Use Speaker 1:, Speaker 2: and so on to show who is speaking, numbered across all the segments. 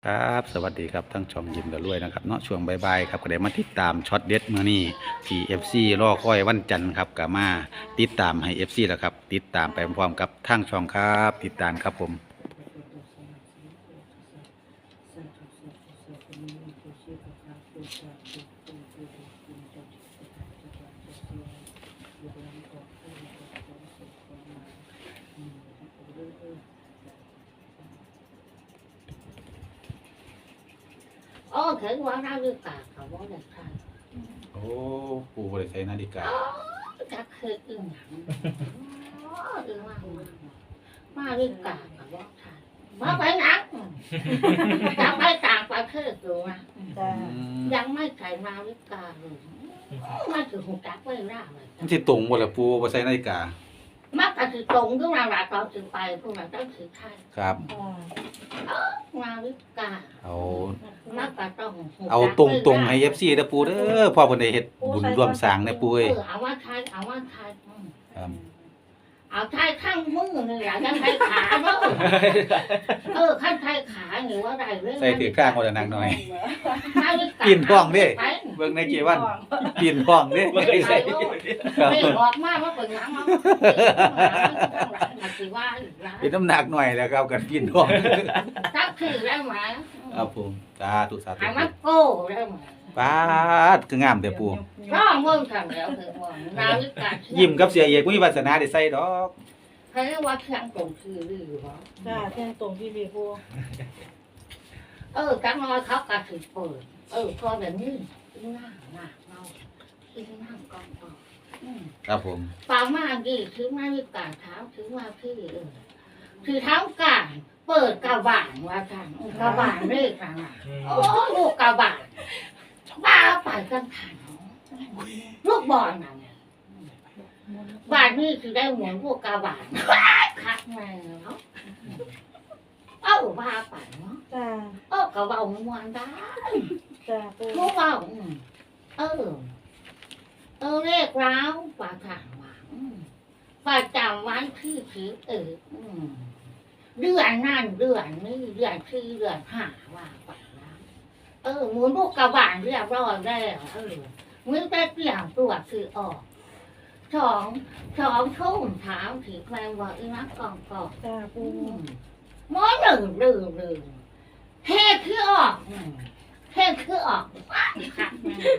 Speaker 1: ครับสวัสดีครับทั้งช่องยิ้มกับรวยนะครับเนาะช่วงบ่ายๆครับก็ได้มาติดตามช็อตเด็ดมื้อนี้ที่ FC รอคอยวันจันทร์ครับก็มาติดตามให้ FC แล้วครับติดตามไปพร้อมๆกับทางช่องครับติดตามครับผม
Speaker 2: โอ้ถึงว่าเราดูกาเขาว่าเด็กใคร
Speaker 1: โอ้ปู่บ่ได้ใช้นาฬิกา
Speaker 2: จะเคยอึ้งหนังอึ้งมาดูกาเขาว่าใครมาไปหนังจะไปต่างประเทศดูนะยังไม่ใส่มาดูกาเลยมาถึงหูจักไม่ได้เลย
Speaker 1: มันสิตรงบ่ล่ะปู่บ่ใช้นาฬิกา
Speaker 2: มักจะถือตรงขึ้นมาหลักเราถือไปพวกเราต้องถือใช่
Speaker 1: ครับ
Speaker 2: มาดูกา
Speaker 1: เอา
Speaker 2: มักจะต้อง
Speaker 1: เอาตรงๆให้ FC เด้อปู่เด้อพอเพิ่นได้เฮ็ดบุญร่วมสร้างเนี่ยปู่เอ้ย
Speaker 2: เอาว่าใช่เอาว่าใช่
Speaker 1: ครับ
Speaker 2: เอาใช้ข้างมือนี่แหละยังใช้ขาเนาะข้างใช้ขาหรือว่าอะไรเรื่อง
Speaker 1: ใส่ถือข้างบ่ได้นักหน่อย
Speaker 2: ปี
Speaker 1: ปีนท้องเด้เบิ่งในเกวันปีนท้องเด้บ่ได้ใส่
Speaker 2: ไม่ออกมาว่าเปิดน้ำเนาะ
Speaker 1: เป็นน้ำหนักหน่อยแล้วครับกันปีนท้อง
Speaker 2: ตักคือได้ไหม
Speaker 1: ครับผมสาธุ
Speaker 2: ไอ้มันโก้ได้ไหม
Speaker 1: ปาดคืองามแต่ปู่
Speaker 2: ร้องมึงทำแล้วคือว่านาฬิกา
Speaker 1: ยิ้มกับเสียเอกบ่มีวาสนาได้ใส่ดอก
Speaker 2: ใครเรียกว่าเชียงตรงคือหรือเปล่า
Speaker 3: จ้าเที่ยงตรงที่รีพู
Speaker 2: จังน้อยเขากระถือเปิดพอแบบนี้หน้าเมากินน้ำก่อนต่อ
Speaker 1: ครับผม
Speaker 2: ปามาดีถือมาวิกาเท้าถือมาพี่ถือเท้ากลางเปิดกระบาลว่าทางกระบาลเลขอะไรโอ้ลูกกระบาลบ้าไปกันขันลูกบอลน่ะบ้านนี้คือได้หมุนพวกกระบาลคักมาเนาะบ้าไปเนาะ
Speaker 3: จ้าก
Speaker 2: ระเบาม้วนได้
Speaker 3: จ้าปู
Speaker 2: ลูกเบาเลขร้าวปากถางว่าประจำวันที่ถือเดือนนั่นเดือนนี้เดือนที่เดือนห้าว่าไปแล้วหมุนพวกกระบาลเรียบร้อยแล้วมือแต่เปลี่ยนตัวคือออกสองทุ่มถามถือแมงว่าอีนักกอง
Speaker 3: จ้าปู
Speaker 2: หมอหนึ่งเท่คือออกค่ะ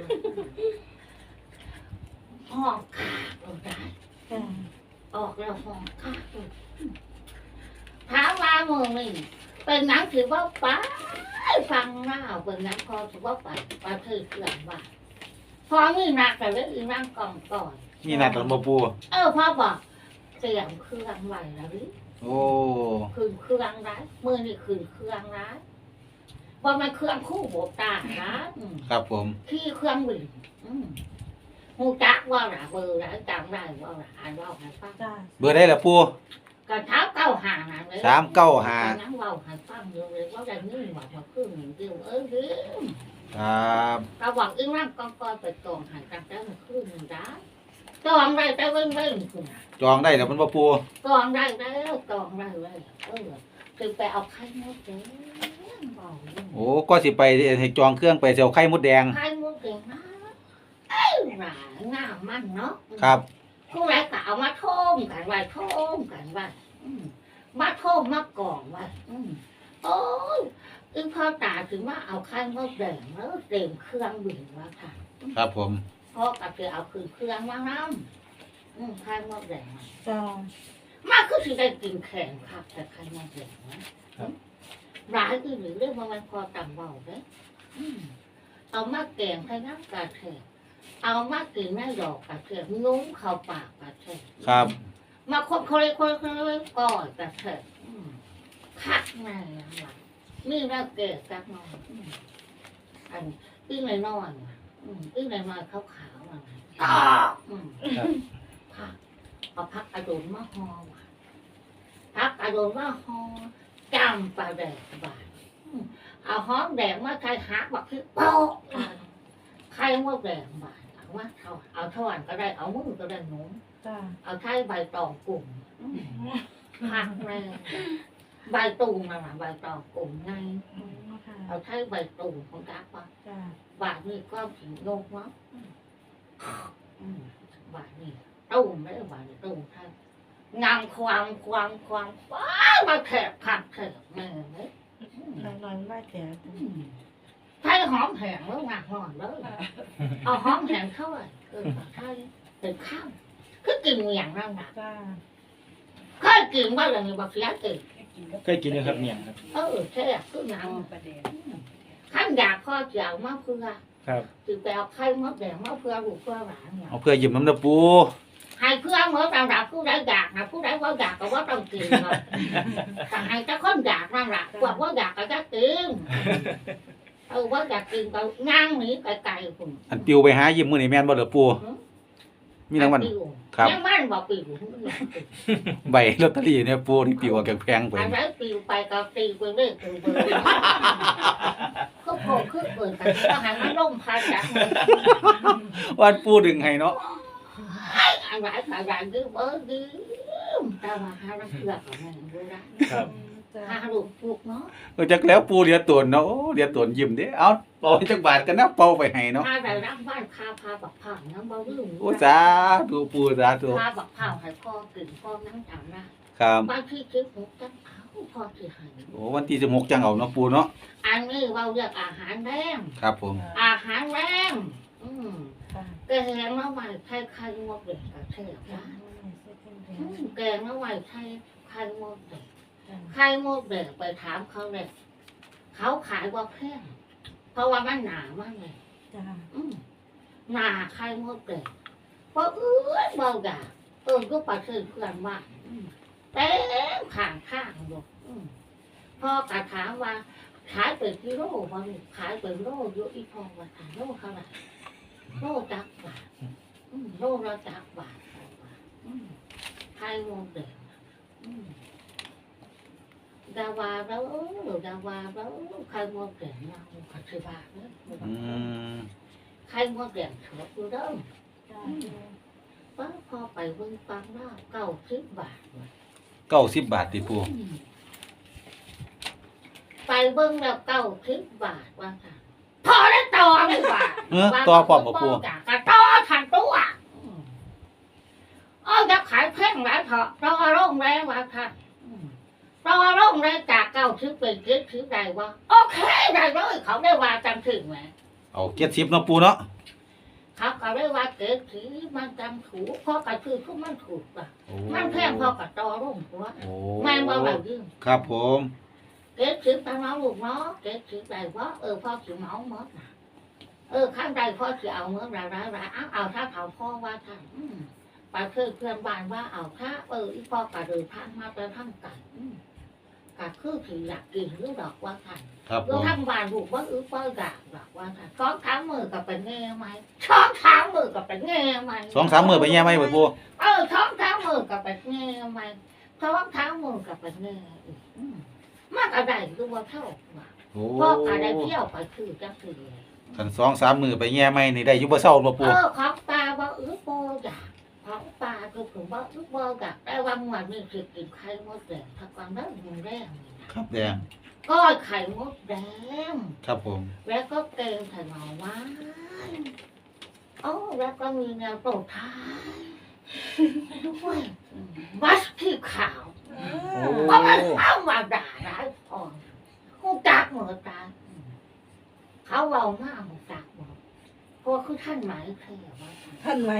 Speaker 2: ห้องขาดเราได้ออกแล้วห้องขาดถามว่ามึงนี่เป็นหนังถือว่าป้าฟังเล่าเป็นหนังพอถือว่าป้าถือเกลื่อนว่าพอมีนักแต่เรื่องอีนั่งกองก่อน
Speaker 1: มีนักกับบ่ปู่
Speaker 2: พ่อบอกเตรียมเครื่องไว้แล้วดิ
Speaker 1: โอ้
Speaker 2: คืนเครื่องร้ายมือนี่คืนเครื่องร้ายว่ามันเครื่องคู่โบตานะครับ
Speaker 1: ผม
Speaker 2: ที่เครื่องบินมูจักว่าหล่ะเบอร์หล่ะจำได้ว่าหล่ะอ่านว่าให้ฟัง
Speaker 1: เบอร์ได้ล่ะปู่
Speaker 2: กระเท้า9 5นั่นเลย
Speaker 1: 395
Speaker 2: นั่งว่าให้ฟังอยู่เลยว่าได้เงินว่ามาครึ่งเดียว
Speaker 1: ครับ
Speaker 2: เราบอกอีนั่งก้อนไปกองหันกันได้มาครึ่งนึงได้จองได้แต่เว้นคุณ
Speaker 1: จองได้แล้วมันบ่ปู่
Speaker 2: จองได้แล้วคือไปเอาไข่มดแดง
Speaker 1: โอ้ก็สิไปให้จองเครื่องไปสิเอาไข่มดแดง
Speaker 2: ไข่มดแดงนะหนาหน้ามันเนาะ
Speaker 1: ครับ
Speaker 2: ผู้ใดก็เอามาท่มกันไว้มาท่มมากองไว้โอ้ยพ่อตาถึงว่าเอาไข่มดแดงแล้วเต็มเครื่องบินว่าค่ะ
Speaker 1: ครับผม
Speaker 2: พ่อก็คือเอาคืนเครื่องมาน้ำไข่มดแดง
Speaker 3: จ้า
Speaker 2: มาคือสิได้กินแข็งครับแต่ใครมาเห็นนะร้ายคือหรือเรื่องมันพอต่ำเบาเลยเอามาแกงให้น้ำกระเทียมเอามากินแม่ดอกกระเทียมนุ้งเข้าปากกระเทียม
Speaker 1: ครับ
Speaker 2: มาคนก่อยกระเทียมคักแม่ยังนี่แล้วเกลือจักหน่อยอันอึ้งน้อยอึ้งน้อยขาวๆอะไรเอาพักกระโดดมาห่อพักกระโดดมาห่อจำปลาแดกบาดเอาห้องแดงมาใครหาบักคือโป๊ะใครว่าแดงบาดเอาท่อนก็ได้เอามือก็ได้หนูเอาใช้ใบตองกลุ่มพักแม่ใบตูมมาใบตองกลุ่มไงเอาใช้ใบตูของกาปะ
Speaker 3: จ้า
Speaker 2: บาทนี่ก็ถึงโลกวะบาทนี่ตู้ไม่ได้บาทนี่ตู้ใช่งามความว้ามาแถบขัดแถบแม่เนี่ย
Speaker 3: นอนไม่แก่
Speaker 2: ใช้หอมแห้งแล้วหนักหน่อยเลยเอาหอมแห้งเข้าไปใช่เป็นข้าวคือกินอย่างนั้นนะ
Speaker 3: จ้า
Speaker 2: เคยกินว่าอะไรนี่บอกเสียตื่น
Speaker 4: เคยกินเลยครับเนี่ยครับ
Speaker 2: แค่คือหนังขั้นอยากข้อเจียวมาเพื่อ
Speaker 4: ครับ
Speaker 2: ถือไปเอาไข่มดแดงมาเพื่อลูกเพื่อหลานเนี่ย
Speaker 1: เอาเพื่อยิ้มน้ำเด้อปู
Speaker 2: ให้เพื่อนเมื่อตามรับผู้ใดอยากนะผู้ใดว่าอยากก็ว่าต้องกินเนาะแต่ให้เจ้าคนอยากนั่นแหละพวกว่าอยากก็จะกินว่าอยากกินก็ย่างหนีไกลๆคุณ
Speaker 1: อันปิวไปหายิ้มมื้อนี้แม่นบ่เด้อปูมีรางวัล ครับ
Speaker 2: ยังมันบอกปิว
Speaker 1: ใบลอตเตอรี่เนี่ยปูที่ปิวออกจากแพงไป
Speaker 2: อันนั้นปิวไปก็ตีไปเรื่อยๆก็โผล่ขึ้นเปิดแต่ก็หันมาล่มพันจากมัน
Speaker 1: วันปูดึงให้เนาะ
Speaker 2: อะไรดื้อเบ้อดื้อแต่ว่าหาน้ำเกลือของมันดูนะครับ
Speaker 3: จ้า
Speaker 2: หาลูกปลูกเนาะ
Speaker 1: จักแล้วปูเหลียตนเนาะโอ้เหลียตนยิ้มเด้เอาเป่าให้จักบาทกันนะเป่าไปให้เนาะ
Speaker 2: หาได้รับบ้านพาบักผ่านน้ำเบาดื้อ
Speaker 1: โอ้สาธุปูสาธุ
Speaker 2: พาบักผ่านให้พ่อกินพ่อนั่งจำนะครับ บางที่คิดหูจังเอาพ่อที่ให้
Speaker 1: โอ้วันที่16จังเอาเนาะปูเนาะ
Speaker 2: อันนี้เราเรียกอาหารแรง
Speaker 1: ครับผม
Speaker 2: อาหารแรง
Speaker 3: จ้า
Speaker 2: แกงน้ำมันไข่ไข่มดเด็กกระเทียมนะแกงน้ำมันไข่ไข่มดเด็กไข่มดเด็กไปถามเขาเลยเขาขายว่าแพงเพราะว่ามันหนามากเลย
Speaker 3: จ้า
Speaker 2: หนาไข่มดเด็กเพราะเบาด่าก็ปลาเชื่อเพื่อนว่าเต็มข้างอยู่พ่อกระถามว่าขายเป็นกิโลว่าขายเป็นโลเยอะอีพอว่าขายโลเท่าไหร่โลจักบาทโลละจักบาทไข่มดเด็กดาวาแล้วไข่มดเด็กเราปัจจุบันเนี่ย
Speaker 1: อืม
Speaker 2: ไข่มดเด็กเถอะดูเด้อ
Speaker 3: จ้า
Speaker 2: ป้าพอไปเบิ่งฟังว่า90 บาท
Speaker 1: 90บาทติปู
Speaker 2: ไปเบิ่งแล้ว90 บาทว่าค่ะพอได้ต่อเลยบาท
Speaker 1: ต่อพร้อมบ่ปู
Speaker 2: จากกระต่อทันตัวจะขายแพงหลายเถอะต่อโรงแรมว่าค่ะต่อโรงแรมจาก90เป็น70ได้ว่าโอเคได้เลยเขาได้ว่าจังถึงไหม
Speaker 1: เอา70เนาะปูเนาะ
Speaker 2: เขาก็ได้ว่า70มันจำถูกเพราะกระคือทุกมันถูกป่ะ
Speaker 1: โอ้
Speaker 2: มันแพงพอกระต่อโรงหัว
Speaker 1: โอ้
Speaker 2: แม่ว่าแบบยืม
Speaker 1: ครับผม
Speaker 2: 70ตาน้องลูกเนาะ70ได้ว่าพ่อสิเมาหมดน่ะข้างใดพ่อสิเอาเมื่อไรเอาถ้าเขาพ่อว่าท่านไปเพื่อนบ้านว่าเอาถ้าอีพ่อกระเดินทางมาไปทางไก่กะคือสิอยากกินหรือดอกว่าท่าน
Speaker 1: ครับผ
Speaker 2: แล้ว
Speaker 1: ม
Speaker 2: ทางบ้านลูกว่าป้อยากดอกว่าท่าน2-3 มื้อก็เป็นแง่ไหม2-3 มื้อก็เป็นแง่ไหม
Speaker 1: 2-3มื้อไปแย่ไหมบ่ปู
Speaker 2: 2-3 มื้อก็เป็นแง่ไหม2-3 มื้อก็เป็นแง่มากอะไรดูว่าเท่าว่า
Speaker 1: โอ้
Speaker 2: พ่อก็ได้เที่ยวไปคือจังคือ
Speaker 1: คัน2-3มื้อไปแย่ไหมนี่ได้อยู่บ่เซาบ่ปู
Speaker 2: ของปลาว่าโบอยากของปลาก็ผมว่าโบอยากได้วันวันนี้คือกินไข่มดแดงถ้าก่อนนั้นมันแรงนี่นะครับ
Speaker 1: แดง
Speaker 2: ก็ไข่มดแดง
Speaker 1: ครับผม
Speaker 2: แล้วก็เกงใส่หน่อไม้แล้วก็มีแนวโปรดท้ายด้วยวัดที่ขาว
Speaker 1: โอ้
Speaker 2: เพราะมันเข้ามาด่าร้ายพอกูจักเหมือนกันเขาเอามากกูจักหมดเพราะคือท่านหมายเคยว่า
Speaker 3: ท่านไหม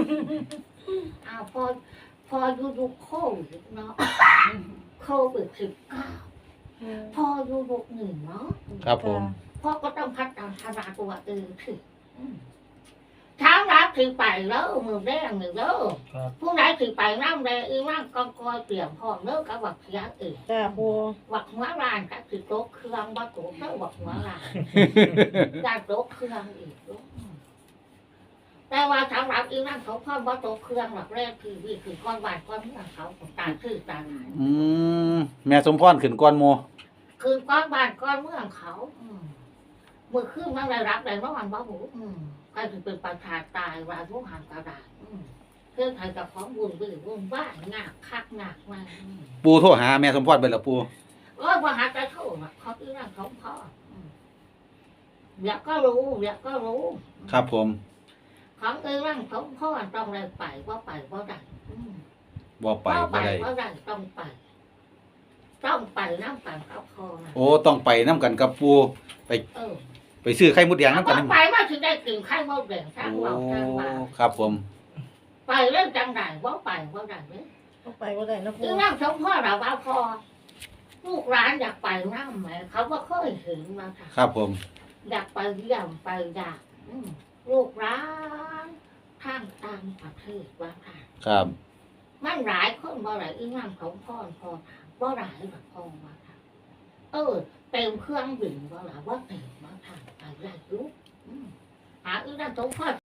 Speaker 2: พอดูโควิดเนาะโควิด19พอดู61เนาะ
Speaker 1: ครับผม
Speaker 2: พ่อก็ต้องพัฒนาตัวถึงเช้ารับถึงไปแล้วมือแดงหนึ่งแล้ว
Speaker 4: ครับ
Speaker 2: ผู้ไหนถึงไปน้ำแดงนั่งกองกอยเปลี่ยนพ่อเลิกกับวักเสีย
Speaker 3: จ้าปู
Speaker 2: วักหัวรานกับถือโต๊ะเครื่องวักโต๊ะแล้ววักหัวรานการโต๊ะเครื่องอีกแต่ว่าสำหรับนั่งเขาพ่อวักโต๊ะเครื่องหลักแรกคือก้อนวานก้อนเมื่อเขาตาคือตาหน
Speaker 1: อืมแม่สมพรขึ้นก่อนหมู่
Speaker 2: คือก้อนวานก้อนเมื่อเขามือขึ้นมันได้รับได้ร้อนบ้าหูก็คือเป็นประชาตายว่าทุกหางกระดาษเพื่อนไทยกับของบุญบุญบ้านงากคักงากมา
Speaker 1: ปูโทรหาแม่สมพรไปแล้วปู
Speaker 2: ว่าหาจะโทษเขาอีนั่งเขาพ่อเดี๋ยวก็รู้เดี๋ยวก็รู้
Speaker 1: ครับผม
Speaker 2: ของเอ้ร่างสมพ่อต้องได้ไปว่าไปว่าได้อืม
Speaker 1: บ่ไปบ่ได้
Speaker 2: ว่าได้ต้องไป ต้องไปน้ำกันกับพ่อนะ
Speaker 1: โอ้ต้องไปนํกันกับปูไป
Speaker 2: เออ
Speaker 1: ไปซื้อไข่มดแดงนํกัน
Speaker 2: ว่าไปว่าถึงได้กินข้าวมดแดงทั้ง
Speaker 1: โอ้
Speaker 2: วันทั้งวัน
Speaker 1: ครับผม
Speaker 2: ไปเรื่องจังไรว่าไปว่าได้เนี่ย
Speaker 3: ต้องไปว่าได้นะปู
Speaker 2: คือร่างสมพ่อเราว่าพอลูกร้านอยากไปน้ำไหมเขาว่าเคยเห็นมาค่ะ
Speaker 1: ครับผม
Speaker 2: อยากไปเยี่ยมไปอยากลูกร้านข้างต่างประเทศว่าค่ะ
Speaker 1: ครับ
Speaker 2: มันหลายคนบ่หลายอีงามของพ่อบ่หลายแบบพ่อว่าค่ะเต็มเครื่องบินบ่หลายว่าเต็มมาค่ะไปได้ยุหาอีนั่นสมพ่อ